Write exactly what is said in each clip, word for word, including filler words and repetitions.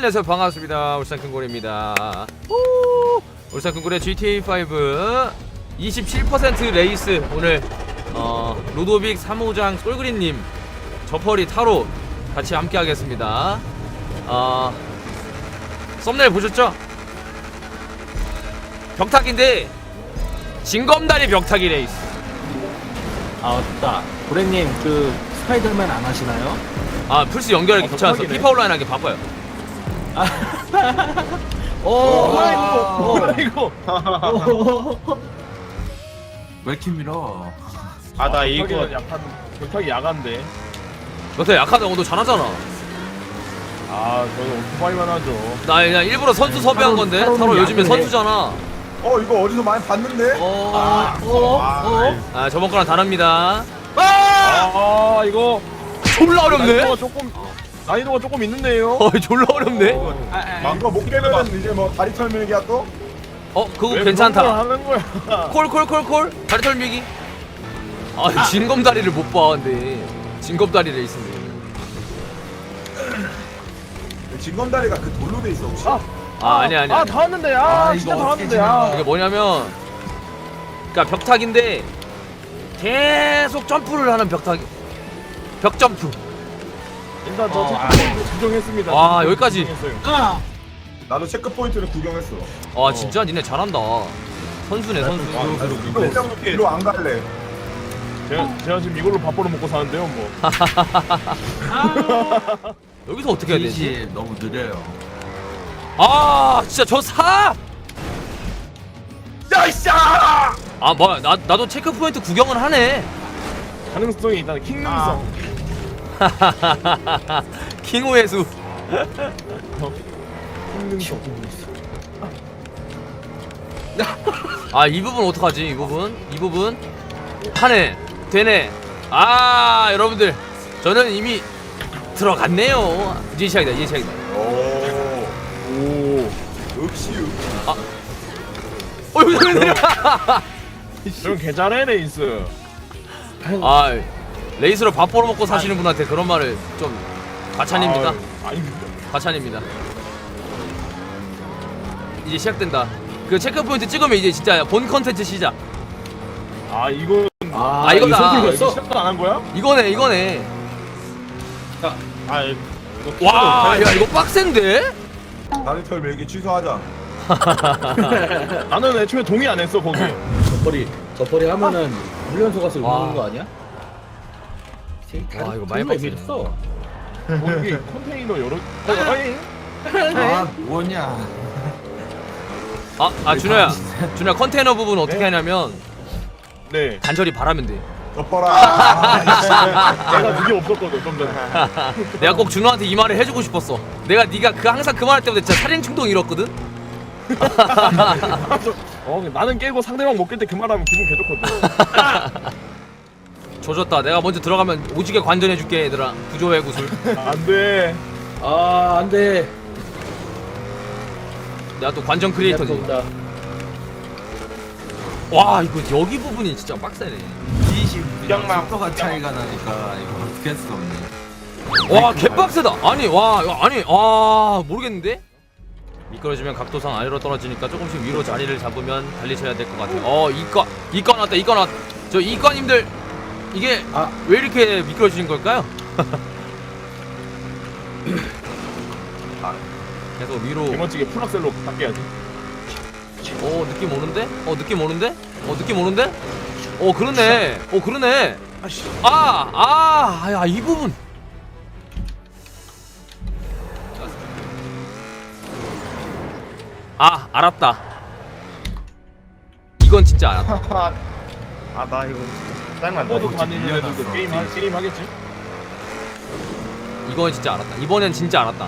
안녕하세요. 반갑습니다. 울산 큰고래입니다. 울산 큰고래 지티에이 오 이십칠 퍼센트 레이스. 오늘 어, 로도빅 삼 호장 솔그린님, 저퍼리 타로 같이 함께 하겠습니다. 어, 썸네일 보셨죠? 벽타기인데 징검다리 벽타기 레이스. 아 맞다. 고래님 그 스파이더맨 안 하시나요? 아 플스 연결하기 어, 귀찮아서 벽타기네. 피파 온라인 하기 바빠요. 오, 뭐야 이거? 이거. 왜 이렇게 밀어? 아 나 이거- 이거 약간 격하게 야간데. 너한테 약하다고. 너 잘하잖아. 아 저는 오토바이만 하죠. 나 그냥 일부러 선수 섭외한 건데. 타로는 타로 요즘에 약해. 선수잖아. 어 이거 어디서 많이 봤는데? 어, 아, 어, 어. 아 저번 거랑 다릅니다. 아 이거 졸라 어렵네. 난이도가 조금 난이도가 조금 있는데요. 어 졸라 어렵네. 이거 못 깨면은 이제 뭐 다리 털밀기야 또? 어 그거 왜 괜찮다. 그런 걸 하는 거야? 콜 콜 콜 콜 다리 털미기. 아 진검다리를 못 봐. 근데 진검다리 레이스네. 진검다리가 그 돌로 돼 있어 혹시? 아, 아 아니야 아니야. 아 아니야. 다 왔는데. 아, 아, 진짜 이거 다 어떻게 왔는데. 아. 이게 뭐냐면, 그러니까 벽타기인데 계속 점프를 하는 벽타기. 벽 점프. 일단 저 어, 체크포인트 지정했습니다. 와, 여기까지. 지정했어요. 아, 나도 체크 포인트를 구경했어. 아 진짜 니네 잘한다. 선수네 선수. 이거 일단 일로 안 갈래. 제가, 제가 지금 이걸로 밥 벌어 먹고 사는데요, 뭐. 여기서 어떻게 해야 되지? 이시 너무 느려요. 아 진짜 저 사. 야이샤! 아 뭐야, 나 나도 체크 포인트 구경은 하네. 가능성이 일단 킹능성. 킹호의 수. 킹능성. 아 이 부분 어떡하지? 이 부분? 이 부분? 하네. 되네. 아 여러분들, 저는 이미 들어갔네요. 이제 시작이다. 이제 시작이다. 오, 오. 역시 역시. 어 여기 되네. 그럼 개잘해 레이스. 아 레이스로 밥 벌어먹고 사시는 분한테 그런 말을 좀 과찬입니까? 아, 아닙니다. 과찬입니다. 이제 시작된다. 그 체크 포인트 찍으면 이제 진짜 본 컨텐츠 시작. 아 이거 아, 아, 이거다. 이거 이거 손들었어? 시작도 안 한 거야? 이거네 이거네. 아 이거 와, 야 이거 빡센데? 다리 털밀기 취소하자. 나는 애초에 동의 안 했어 거기. 저퍼리, 저퍼리 하면은 훈련소 가서 와. 우는 거 아니야? 와, 이거 많이 빡세네. 빡쳤어. 거기 컨테이너 여러. 어, 아니. 아 뭐냐? 아, 아 준호야, 준호야 컨테이너 부분 어떻게 네? 하냐면 네. 간절히 바라면 돼. 덮어라. 내가 그게 없었거든 좀 전에. 내가 꼭 준호한테 이 말을 해주고 싶었어. 내가 네가 그 항상 그 말할 때마다 진짜 살인 충동이 일었거든. 어 나는 깨고 상대방 못 깰 때 그 말하면 기분 개좋거든. 조졌다. 내가 먼저 들어가면 오지게 관전해줄게 얘들아. 구조의 구슬. 안돼. 아, 안 돼. 내가 또 관전 크리에이터지. 온다. 와 이거 여기 부분이 진짜 빡세네. 이시 구경만, 속도가 차이가 나니까 이거 어떻게 할 수가 없네. 와 개빡세다. 아니 와 이거 아니 아 모르겠는데. 미끄러지면 각도상 아래로 떨어지니까 조금씩 위로 자리를 잡으면 달리셔야 될 것 같아요. 어 이과 이과 나왔다. 이과 나왔. 저 이과님들 이게 아. 왜 이렇게 미끄러지는 걸까요? 아, 계속 위로. 개멋지게 풀악셀로 바뀌어야지. 어 느낌 오는데? 어 느낌 오는데? 어 느낌 오는데? 어 그러네. 어 그러네. 아, 아, 야, 이 부분. 아, 알았다. 이건 진짜 알았다. 아 나 이거 짜증난다. 이거 도 다니는 밀려났어. 애들도 게임 하- 게임 하겠지. 이건 진짜 알았다. 이번엔 진짜 알았다.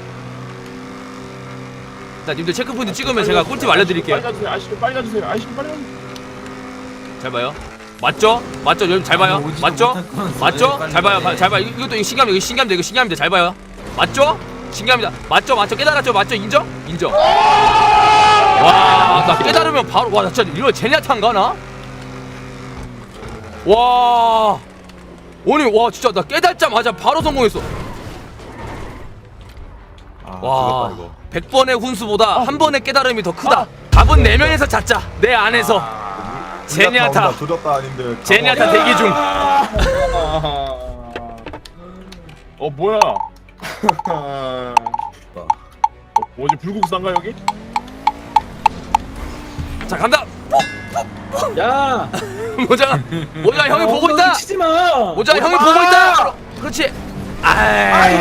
자, 님들 체크포인트 찍으면 제가 꿀팁 알려드릴게요. 빨리 가주세요. 아저씨 좀 빨리 가주세요. 아저씨 좀 빨리 가주세요. 잘 봐요. 맞죠? 맞죠? 여러분 잘 봐요. 아니, 오지도 맞죠? 못할 거면서 맞죠? 왜 빨리 잘 봐요. 빨리 잘 봐요. 이것도 이거 신기합니다. 이거 신기합니다. 이거 신기합니다. 잘 봐요. 맞죠? 신기합니다. 맞죠? 맞죠? 깨달았죠? 맞죠? 인정? 인정. 와, 나 깨달으면 바로 와, 나 진짜 이거 제니아탄가 나? 와, 아니 와 진짜 나 깨달자마자 바로 성공했어. 아, 와, 죽었다, 이거. 백 번의 훈수보다 한 번의 깨달음이 더 크다. 밥은 네 명에서 찾자. 내 안에서. 아, 제니아타. 온다, 조졌다 아닌데. 제니아타 대기 중. 어 뭐야? 어, 뭐지 불국사인가 여기? 자, 간다. 야 모장아, 모장아 형이 보고 있다. 치지 마. 모장아 형이 보고 있다. 그렇지. 아이.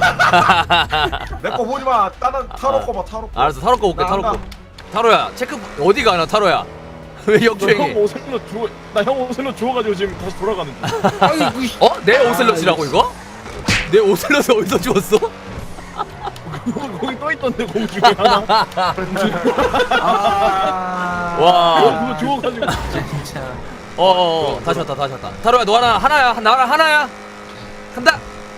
내거 보지 마. 다른 타로 거 봐. 타로 거. 알았어, 타로 거 볼게. 나 타로 거. 한다. 타로야, 체크 어디 가나 타로야? 왜 형 역주행해? 오셀로 주워 나형 오셀로 주워가지고 지금 다시 돌아가는 중. 어? 내 오셀럿이라고 이거? 내 오셀럿을 어디서 주웠어? 거기 또 있던데 공 중에 하나. 아. 와. 그거 주워가지고. 진짜. 어어 다시 왔다 다시 왔다. 타로야 너 하나 하나야 나랑 하나야. 간다.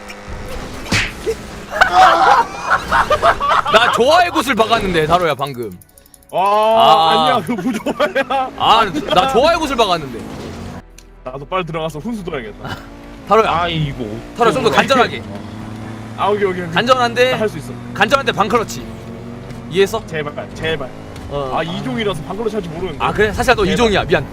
나 좋아의 곳을 박았는데 타로야 방금. 와 아. 아니야 그거 부조화야. 아 나 좋아의 곳을 박았는데. 나도 빨리 들어가서 훈수 들어야겠다. 타로야 아이고. 타로야 좀 더 간절하게. 아 오케이 오케이. 간절한데 할 수 있어. 간절한데 방클러치. 이해했어? 제발 제발. 어. 아 이종이라서 방글로 찰지 모르는데. 아 그래? 사실 너 이종이야 미안.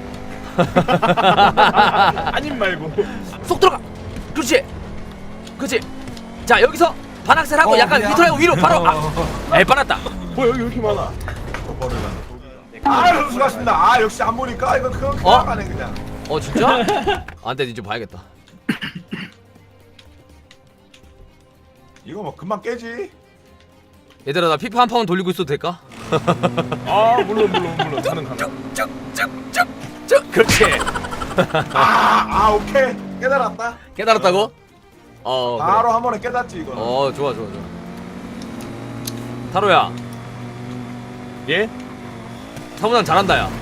아님 말고. 속 들어가. 그렇지. 그렇지. 자 여기서 반악셀 하고 어, 약간 미안. 밑으로 하고 위로 바로. 아, 에이 빠났다. 뭐 여기 왜 이렇게 많아? 저거를 아, 훈수가십니다. 아, 역시 안 보니까 이거 그냥 어? 그냥 가네 그냥. 어 진짜? 안돼 이제 봐야겠다. 이거 뭐 금방 깨지. 얘들아 나 피파 한 판 돌리고 있어도 될까? 아 물론 물론 물론 가능 가능. 쭉쭉쭉쭉 그렇지. 아, 아, 오케이. 깨달았다. 깨달았다고? 어 그래. 바로 한 번에 깨닫지 이거. 어 좋아 좋아 좋아. 타로야 예? 사무장 잘한다 야.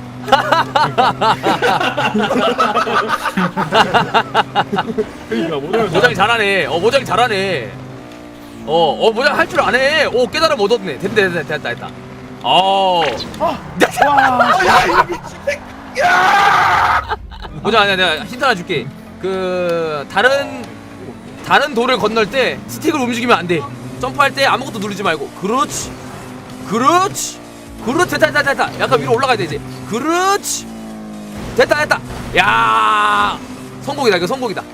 그러니까 뭐냐면 모장이 잘하네. 어 모장이 잘하네. 어어 모장 할 줄 아네. 오 깨달음 얻었네. 됐다 됐다 됐다 됐다. 어. 야, 이거 미친 새끼. 야! 모장 아니야 내가 힌트 하나 줄게. 그 다른 다른 돌을 건널 때 스틱을 움직이면 안 돼. 점프할 때 아무것도 누르지 말고. 그렇지. 그렇지. 그렇지. 됐다 됐다 됐다. 약간 위로 올라가야 돼 이제. 그렇지. 됐다 됐다. 야 성공이다 이거 성공이다.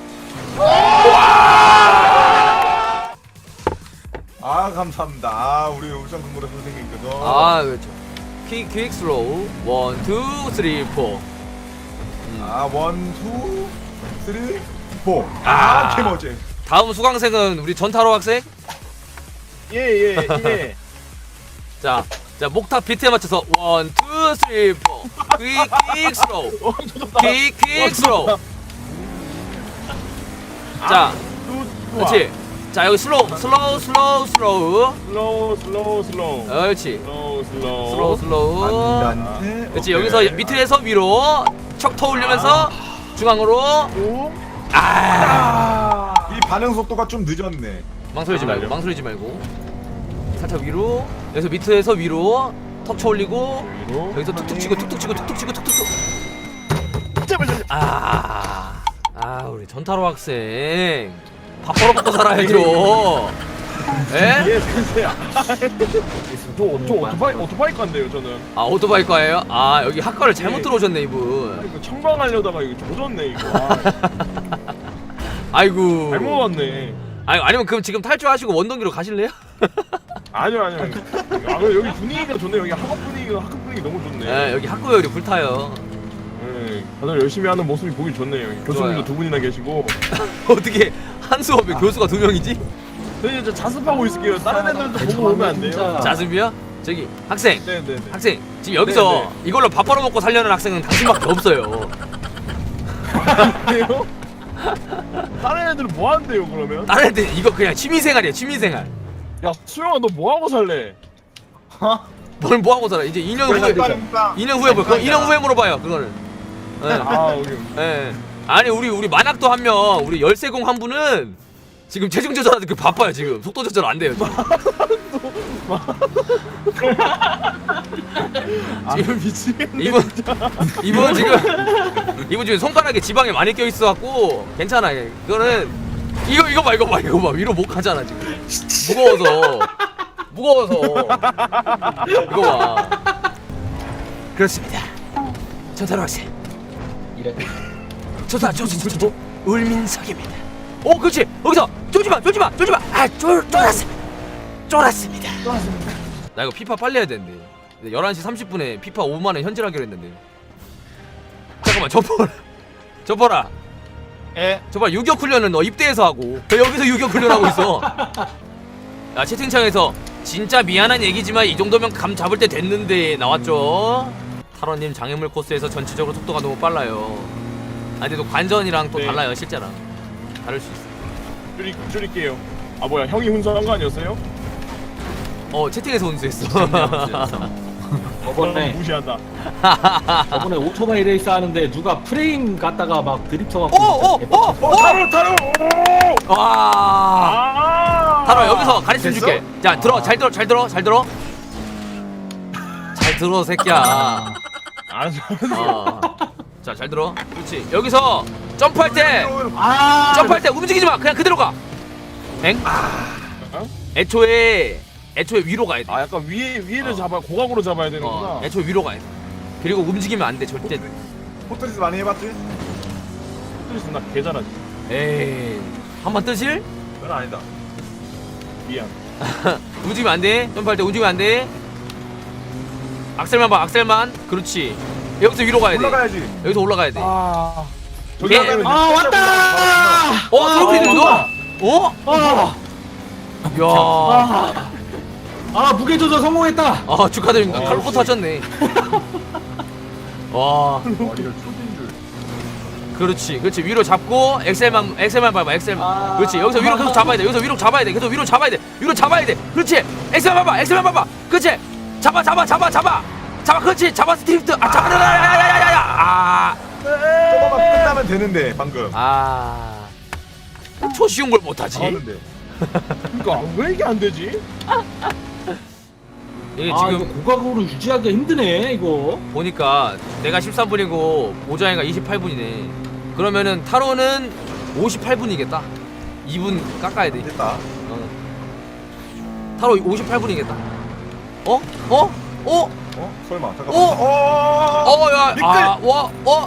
아, 감사합니다. 아, 우리 울산 근무대 선생님께서. 아 그렇죠. 퀵 퀵 슬로우 원, 투, 쓰리, 포. 아, 원, 투, 쓰리, 포. 아. 아, 개머지. 다음 수강생은 우리 전타로 학생. 예예 예. 자, 자 목탁 비트에 맞춰서 원, 투, 쓰리, 포. 퀵 퀵 슬로우. 어 좋다. 퀵 퀵 슬로우. 자, 그렇지. 자 여기 슬로우 슬로우 슬로우 슬로우. 슬로우 슬로우 슬로우. 그렇지. 슬로우 슬로우. 슬로우 슬로우. 안돼. 그렇지. 여기서 밑에서 위로 척 터올리면서 중앙으로. 오. 아. 이 반응 속도가 좀 늦었네. 망설이지 아, 말고 맞아요. 망설이지 말고 살짝 위로. 여기서 밑에서 위로 턱 쳐올리고 그리고 여기서 툭툭 치고 툭툭 치고 툭툭 치고 툭툭. 제발 제발. 아, 아 우리 전타로 학생 밥 벌어 먹고 살아야죠. 에? 예 선생야. 저, 저 오토바이 오토바이 관데요 저는. 아 오토바이 과예요? 아 여기 학과를 잘못 예. 들어오셨네 이분. 이거 청방하려다가 이거 조졌네 이거. 아, 아이고. 잘못 왔네. 아니 아니면 그럼 지금 탈주하시고 원동기로 가실래요? 아니요 아니요. 아 그래 여기 분위기가 좋네. 여기 학업 분위기가 학급 분위기 너무 좋네. 네 여기 학구에 우리 불타요. 네, 다들 열심히 하는 모습이 보기 좋네요. 교수님도 좋아요. 두 분이나 계시고. 어떻게 한 수업에 교수가 두 명이지? 저희 이제 자습하고 있을게요. 다른 애들도 보고 오면 안 돼요. 진짜. 자습이요? 저기 학생 네네네. 학생 지금 여기서 네, 네. 이걸로 밥 벌어 먹고 살려는 학생은 당신밖에 없어요. 그래요? 다른 애들은 뭐 한대요 그러면? 다른 애들 이거 그냥 취미생활이야 취미생활. 야 수영아 너 뭐 하고 살래? 뭘 뭐 하고 살아? 이제 이 년 후에 이 년 후에 뭐 그거 이 년 후에 물어봐요 그거는. 예. 아 우리 예. 아니 우리 우리 만학도 한 명 우리 열세공 한 분은 지금 체중 조절하는 게 바빠요 지금 속도 조절 안 돼요 지금. 지금 미치겠네. 이분 이분 지금 이분 지금 손가락에 지방이 많이 껴 있어 갖고 괜찮아. 그거는 이거 이거 봐 이거 봐 이거 봐 위로 못 가잖아 지금. 무거워서 무거워서 이거 봐. 그렇습니다. 전타로 학생. 이래. 저다 저저저 울민석입니다. 오 그렇지 여기서 쫄지마 쫄지마 쫄지마 아쫄 쫄았어 쫄았습니다. 쫄았습니다. 나 이거 피파 빨리 해야 되는데 열한 시 삼십 분에 피파 오만 원 현질하기로 했는데. 잠깐만 저퍼라 저퍼라 예. 저봐 유격 훈련은 너 입대해서 하고 저 여기서 유격 훈련하고 있어. 야 채팅창에서 진짜 미안한 얘기지만 이 정도면 감 잡을 때 됐는데 나왔죠. 탈원님 장애물 코스에서 전체적으로 속도가 너무 빨라요. 아 근데 또 관전이랑 또 네. 달라요 실제랑 다를 수 있어. 줄이 줄일게요. 아 뭐야 형이 훈수한 거 아니었어요? 어 채팅에서 운수했어. 저번에 무시한다. 저번에 오토바이 레이스 하는데 누가 프레임 갖다가 막 드립쳐 갖고. 오오오오 어 타로 타로. 오! 와. 아. 타로 여기서 가르쳐 됐어? 줄게. 자 들어 잘 들어 잘 들어 잘 들어 잘 들어 새끼야. 알았어. 어. 자 잘 들어. 그렇지. 여기서 점프할 때 아. 점프할 때 움직이지 마. 그냥 그대로 가. 엥? 어? 애초에 애초에 위로 가야 돼. 아 약간 위에 위에를 어. 잡아 고각으로 잡아야 되는구나. 어, 애초에 위로 가야 돼. 그리고 움직이면 안 돼 절대. 포트리스 많이 해봤지? 스트레스 나 개잘하지. 에이. 한번 뜨실? 그건 아니다. 미안. 움직이면 안 돼. 점프할 때 움직이면 안 돼. 악셀만 봐. 악셀만. 그렇지. 여기서 위로 가야 돼. 올라가야지. 여기서 올라가야 돼. 아. 예. 올라가면 아 왔다. 어, 트로피들 아, 누가? 어? 아. 야. 아. 아 무게 조절 성공했다. 아, 축하드립니다. 와, 칼로포트 하셨네. 와. 와 이거 초딩 줄. 그렇지. 그렇지. 위로 잡고 엑셀만 엑셀만 밟아. 엑셀만. 아. 그렇지. 여기서 위로 계속 잡아야 돼. 여기서 위로 잡아야 돼. 계속 위로 잡아야 돼. 위로 잡아야 돼. 그렇지. 엑셀만 밟아. 엑셀만 밟아. 그렇지. 잡아 잡아 잡아 잡아. 잡아. 그렇지. 잡아 스트리프트. 아, 잡아. 야야야야야. 아. 저거만 끝나면 되는데 방금. 아. 초 쉬운 걸 못 하지. 하는데. 그러니까 왜 이게 안 되지? 이게 아 지금 이거 고각으로 유지하기 힘드네 이거. 보니까 내가 십삼 분이고 오자이가 이십팔 분이네. 그러면은 타로는 오십팔 분이겠다. 이 분 깎아야 돼. 됐다. 어. 타로 오십팔 분이겠다. 어? 어? 어? 어? 설마 잠깐만. 어? 어? 어, 야, 미끌! 아, 와, 어?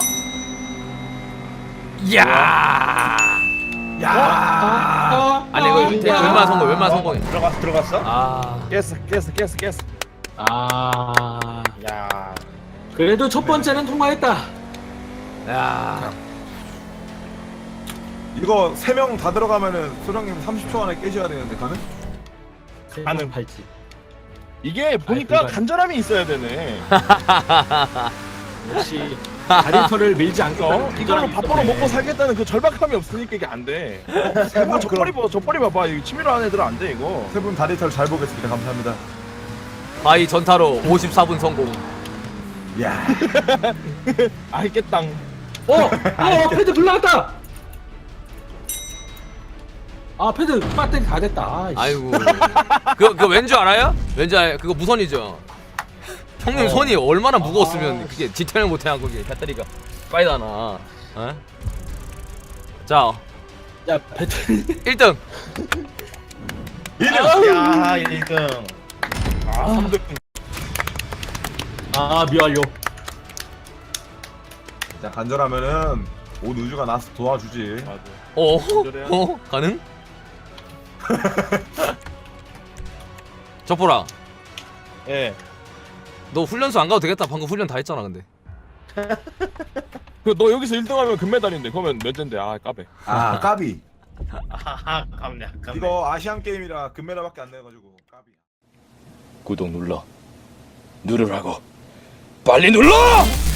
야. 야. 아, 아니 이거 대- 웬만한 성공, 웬만한 성공이. 들어갔어 들어갔어? 아, 깼어 깼어 깼어 깼어. 아. 야. 그래도 첫 번째는 통과했다. 야. 이거 세 명 다 들어가면은 소령님 삼십 초 안에 깨셔야 되는데 가능? 가능. 팔찌. 이게 보니까 불가능. 간절함이 있어야 되네. 역시 다리털을 밀지 않고 어? 이걸로 밥벌어 먹고 살겠다는 그 절박함이 없으니까 이게 안 돼. 세분 저 뻘이 봐, 저 뻘이 봐봐. 이거 치밀어 하는 애들은 안 돼 이거. 세분 다리털 잘 보겠습니다. 감사합니다. 바이 전타로 오십사 분 성공. 야. 알겠당. 어! 어! 패드 불 나갔다! 아 패드 배터리 다 됐다. 아이씨. 아이고. 그거 그거 왠줄 알아요? 왠지 알 그거 무선이죠. 형님 어. 손이 얼마나 무거웠으면 아. 그게 지탱을 못해하고 그게 배터리가 빠이다나. 어? 자, 야 배터리 일 등. 일 등. 야, 일 등. 아, 삼 등. 아 미완료. 자 간절하면은 온 우주가 나서 도와주지. 맞아. 어? 그래요? 어? 가능? 저보라, 예. 너 훈련소 안 가도 되겠다. 방금 훈련 다 했잖아, 근데. 그 너 여기서 일 등 하면 금메달인데 그러면 몇 젠데? 아, 까베. 아 까비. 아하, 깜냐. 이거 아시안 게임이라 금메달밖에 안 내가지고 까비. 구독 눌러 누르라고 빨리 눌러!